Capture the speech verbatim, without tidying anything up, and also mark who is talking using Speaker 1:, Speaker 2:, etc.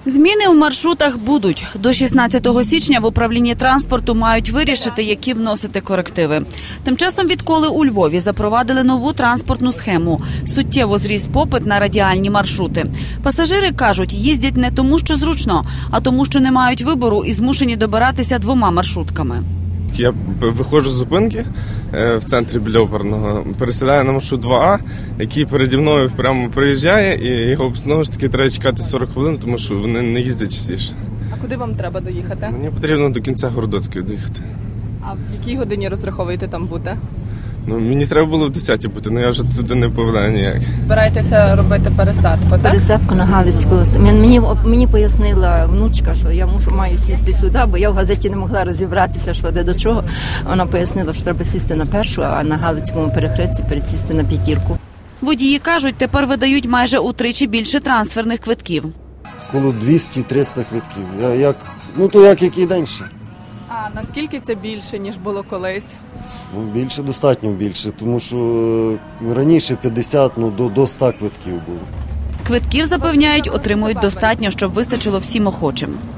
Speaker 1: Зміни у маршрутах будуть. До шістнадцятого січня в управлінні транспорту мають вирішити, які вносити корективи. Тим часом, відколи у Львові запровадили нову транспортну схему, суттєво зріс попит на радіальні маршрути. Пасажири кажуть, їздять не тому, що зручно, а тому, що не мають вибору і змушені добиратися двома маршрутками.
Speaker 2: Я виходжу з зупинки в центрі біля оперного, пересідаю на маршрут два А, який переді мною прямо приїжджає, і його знову ж таки треба чекати сорок хвилин, тому що вони не їздять частіше.
Speaker 3: А куди вам треба доїхати?
Speaker 2: Мені потрібно до кінця Городоцької доїхати.
Speaker 3: А в якій годині розраховуєте там бути?
Speaker 2: Ну, мені треба було в десятій бути, але я вже туди не повинен ніяк.
Speaker 3: Збираєтеся робити пересадку, так?
Speaker 4: Пересадку на Галицьку. Мені, мені пояснила внучка, що я мушу, маю сісти сюди, бо я в газеті не могла розібратися, що де до чого. Вона пояснила, що треба сісти на першу, а на Галицькому перехресті пересісти на п'ятірку.
Speaker 1: Водії кажуть, тепер видають майже утричі більше трансферних квитків.
Speaker 5: Коло двісті-триста квитків. Я, як, ну то як який день ще.
Speaker 3: А наскільки це більше, ніж було колись?
Speaker 5: Ну, більше, достатньо більше, тому що е, раніше п'ятдесят, ну до, до ста квитків було.
Speaker 1: Квитків, запевняють, отримують достатньо, щоб вистачило всім охочим.